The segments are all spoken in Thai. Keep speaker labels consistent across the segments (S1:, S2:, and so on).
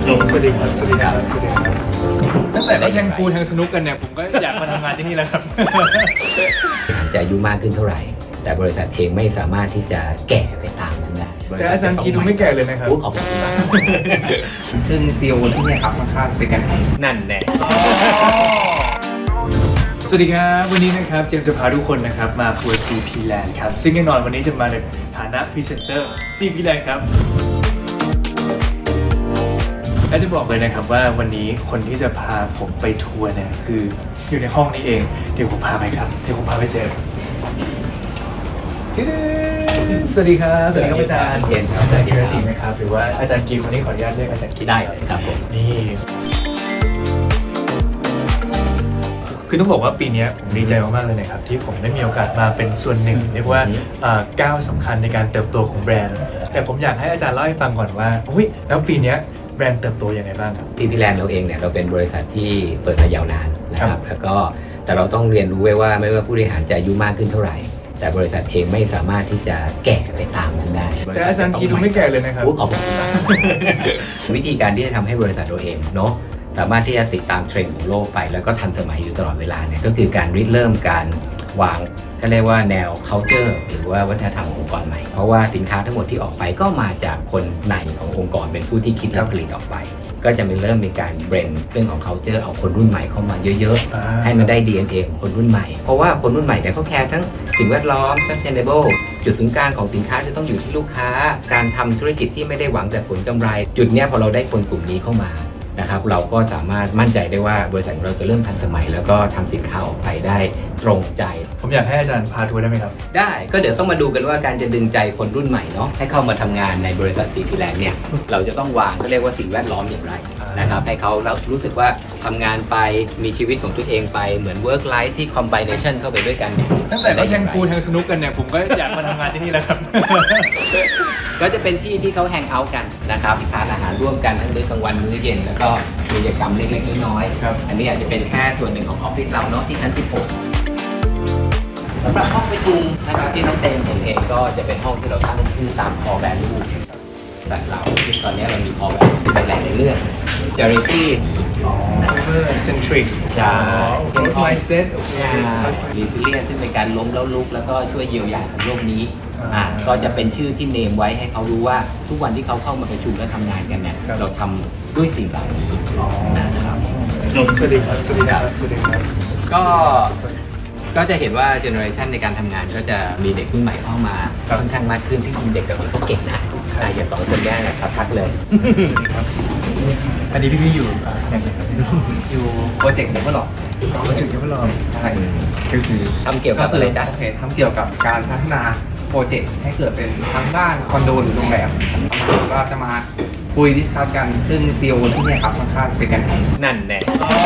S1: สวัสดีครับสวัสดีครับสวัสดีครับตั้งแต่ได้แทงพูลแทงสนุกกันเนี่ยผมก็อยากมาทำงานที่นี่แล้วครับ
S2: จะอายุมากขึ้นเท่าไหร่ แต่บริษัทเองไม่สามารถที่จะแก่ไปตามนั้นได้
S1: แต่อาจารย์กีดูไม่แก่เลยนะครับ
S2: ขอบคุณมาก
S3: ซึ่งซีโอที่เนี่ยครับค่อนข้างเป็นกันเอง
S2: นั่นแน่
S1: สวัสดีครับวันนี้นะครับเจมส์จะพาทุกคนนะครับมาทัวร์ CP Land ครับซึ่งแน่นอนวันนี้จะมาในฐานะพรีเซนเตอร์ CP Land ครับและจะบอกเลยนะครับว่าวันนี้คนที่จะพาผมไปทัวร์เนี่ยคืออยู่ในห้องนี้เองเดี๋ยวผมพาไปครับเดี๋ยวผมพาไปเจอสวัสดีครับสวัสดีครับอาจารย์
S2: เย็นครับ
S1: อาจารย์กีรติไหมครับหรือว่าอาจารย์กีวันนี้ขออนุญาตเรียกอาจารย์กี
S2: ได้เลยครับผม
S1: นี่คือต้องบอกว่าปีนี้ผมดีใจมากๆเลยนะครับที่ผมได้มีโอกาสมาเป็นส่วนหนึ่งเรียกว่าก้าวสำคัญในการเติบโตของแบรนด์แต่ผมอยากให้อาจารย์เล่าให้ฟังก่อนว่าแล้วปีนี้แบรนด์เติบโตยังไงบ้างครับ
S2: CP Land เราเองเนี่ยเราเป็นบริษัทที่เปิดมายาวนานนะครับแล้วก็แต่เราต้องเรียนรู้ไว้ว่าไม่ว่าผู้บริหารจะอายุมากขึ้นเท่าไหร่แต่บริษัทเองไม่สามารถที่จะแก่ไปตามนั้นได้
S1: แต่อาจารย์กีดูไม่แก่เลยนะครับ
S2: ขอบคุณมาก วิธีการที่จะทำให้บริษัทเราเองเนาะสามารถที่จะติดตามเทรนด์ของโลกไปแล้วก็ทันสมัยอยู่ตลอดเวลาเนี่ยก็คือการริเริ่มการวางก็เรียกว่าแนว culture หรือว่าวัฒนธรรมขององค์กรใหม่เพราะว่าสินค้าทั้งหมดที่ออกไปก็มาจากคนในขององค์กรเป็นผู้ที่คิดและผลิตออกไปก็จะเริ่มมีการเบรนเรื่องของ culture เอาคนรุ่นใหม่เข้ามาเยอะๆให้มันได้ DNA ของคนรุ่นใหม่เพราะว่าคนรุ่นใหม่เนี่ยเขาแคร์ทั้งสิ่งแวดล้อม sustainable จุดศูนย์กลางของสินค้าจะต้องอยู่ที่ลูกค้าการทำธุรกิจที่ไม่ได้หวังแต่ผลกำไรจุดเนี้ยพอเราได้คนกลุ่มนี้เข้ามานะครับเราก็สามารถมั่นใจได้ว่าบริษัทของเราจะเริ่มทันสมัยแล้วก็ทำสินค้าออกไปได้ตรงใจ
S1: ผมอยากให้อาจารย์พาทัวร์ได้ไหมครับ
S2: ได้ก็เดี๋ยวต้องมาดูกันว่าการจะดึงใจคนรุ่นใหม่เนาะให้เข้ามาทำงานในบริษัท CP Land เนี่ยเราจะต้องวางก็เรียกว่าสิ่งแวดล้อมอย่างไรนะครับให้เขารู้สึกว่าทำงานไปมีชีวิตของตัวเองไปเหมือน work life ที่ combination เข้าไปด้วยกันเนี่ย
S1: ตั้งแต่ได้แทงพูลแทงสนุกกันเนี่ยผมก็อยากมาทำงานที่นี่แล้วครับ
S2: ก็จะเป็นที่ที่เขาแฮงเอาท์กันนะครับทานอาหารร่วมกันทั้งมื้อกลางวันมื้อเย็นแล้วก็กิจกรรมเล็กๆน้อย
S1: ครับ
S2: ๆอันนี้อาจจะเป็นแค่ส่วนหนึ่งของออฟฟิศเราเนาะที่ชั้น 16สำหรับห้องประชุมนะครับที่น้องเต้นเห็นเองก็จะเป็นห้องที่เราตั้งชื่อตาม core value แต่เราที่ตอนนี้เรามี core value ที่เป็นแหล่งในเรื่อง charity
S1: centric
S2: ใช่
S1: mindset
S2: ใช่ resilience ซึ่งเป็นการล้มแล้วลุกแล้วก็ช่วยเยียวยาของโลกนี้ก็จะเป็นชื่อที่เนมไว้ให้เขารู้ว่าทุกวันที่เขาเข้ามาประชุมและทำงานกันเนี่ยเราทำด้วยสิ่งเหล่านี้นะครับ
S1: สวัสดีครับสวัสดีครับสวัสดีครับ
S2: ก็จะเห็นว่าเจเนอเรชันในการทำงานก็จะมีเด็กรุ่นใหม่เข้ามาค่อนข้างมากขึ้นที่จริงเด็กกับเขาเก่งนะอย่าง2 คนแรกเนี่ยทักเลย
S1: สวัสดีครับอันนี้พี่อยู่อย่างไรครับ
S3: อยู่โปรเจกต์เดเวลลอป
S1: มาถึงที่พวกเรา
S3: ใช่
S1: ก็คือ
S2: ทำเกี่ยวกับอะไรจ๊ะ
S3: โอเคทำเกี่ยวกับการพัฒนาโปรเจกต์ให้เกิดเป็นทั้งด้านคอนโดหรือโรงแรมก็จะมาคุยดิสคัสกันซึ่งซีโอที่เนี่ยครับค่อนข้างเป็นกันเอง
S2: นั่นแน่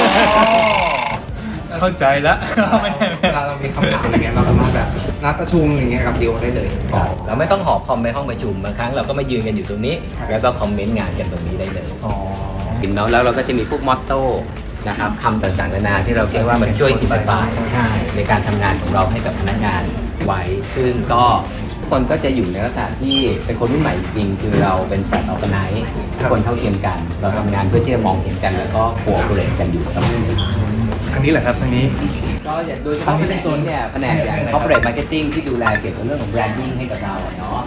S1: เข้าใจแล้วไม่ใช่
S3: เวลาเรามีคำถามอย่างเงี้ยเราสามารถแบบนัดประชุมอย่างเงี้ยกับซีโอได้เลย
S2: เราไม่ต้องหอบคอมไปห้องประชุมบางครั้งเราก็มายืนกันอยู่ตรงนี้ แล้วก็คอมเมนต์งานกันตรงนี้ได้เลย
S1: อ๋อ
S2: เนาะแล้วเราก็จะมีพวกมอตโต้นะครับคำต่างๆนานาที่เราคิดว่ามันช่วยอินสปายใช่ในการทำงานของเราให้กับพนักงานไว้ซึ่งก็ทุกคนก็จะอยู่ในลักษณะที่เป็นคนรุ่นใหม่จริงๆคือเราเป็นแฟลตออร์แกไนซ์ทุกคนเท่าเทียมกัน เราทำงานเพื่อที่จะมองเห็นกันแล้วก็โคออเปเรทกันอยู่เสมอ
S1: ทางนี้แหละครับทางนี้
S2: ก็อย่างโดยเฉพาะในโซนเนี่ยแผนกอย่าง corporate marketing ที่ดูแลเกี่ยวกับเรื่องของ branding ให้กับเราเนาะ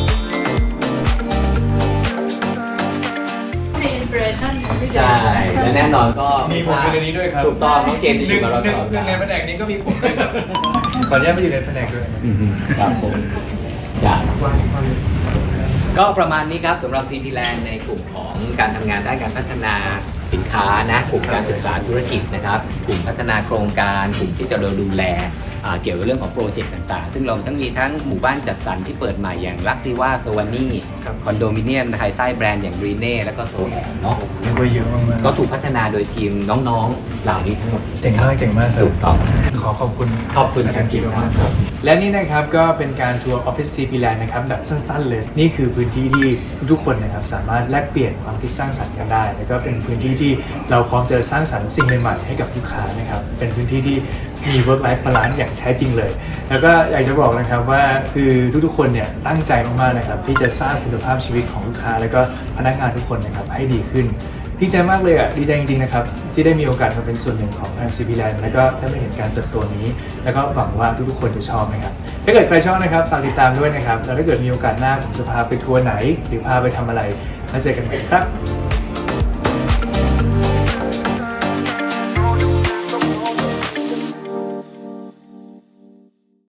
S4: มีอินสปิเรชันพี่เจ
S2: ใช่และแน่นอนก็
S1: มีผมอยู่ในนี้ด้วยครับ
S2: ถูกต้องน้องเจมส์จะอยู่กับเราตลอด
S1: หนึ่งในแผนกนี้ก็มีผมด้วยครับขออนุญาตไปอยู่ในแผนกด้วย
S2: ครับผมจ้ะก็ประมาณนี้ครับสำหรับ CP Land ในกลุ่มของการทำงานด้านการพัฒนาสินค้านะกลุ่มการศึกษาธุรกิจนะครับกลุ่มพัฒนาโครงการกลุ่มที่จะดูแลเกี่ยวกับเรื่องของโปรเจกต์ต่างๆซึ่งเราทั้งมีทั้งหมู่บ้านจัดสรรที่เปิดใหม่อย่างลักซิว่าโซวานี่คอนโดมิเนียมภายใต้แบรนด์อย่างรีเน่แล้วก็โซแอนเนาะ
S1: เรียกว่าเยอะมากๆ
S2: ก็ถูกพัฒนาโดยทีมน้องๆเหล่านี้ทั้งหมด
S1: เจ๋งมากเจ๋งมากครับ
S2: ถูกต้อง
S1: ขอขอบคุณ
S2: ขอบคุณ
S1: อาจารย์กีมากครับและนี่นะครับก็เป็นการทัวร์ Office CP Land นะครับแบบสั้นๆเลยนี่คือพื้นที่ที่ทุกคนนะครับสามารถแลกเปลี่ยนความคิดสร้างสรรค์กันได้แล้วก็เป็นพื้นที่ที่เราพร้อมจะสร้างสรรค์สิ่งใหม่ๆให้กับลูกค้านะครับเป็นพื้นที่ที่มี work life balance อย่างแท้จริงเลยแล้วก็อยากจะบอกนะครับว่าคือทุกๆคนเนี่ยตั้งใจมากๆนะครับที่จะสร้างคุณภาพชีวิตของลูกค้าแล้วก็พนักงานทุกคนนะครับให้ดีขึ้นดีใจมากเลยดีใจจริงๆนะครับที่ได้มีโอกาสมาเป็นส่วนหนึ่งของทาง CP Land แล้วก็ได้มาเห็นการเติบโตนี้แล้วก็หวังว่าทุกๆคนจะชอบนะครับถ้าเกิดใครชอบนะครับฝากติดตามด้วยนะครับแล้วถ้าเกิดมีโอกาสหน้าผมจะพาไปทัวร์ไหนหรือพาไปทำอะไรแล้วเจอกันใหม่ครับ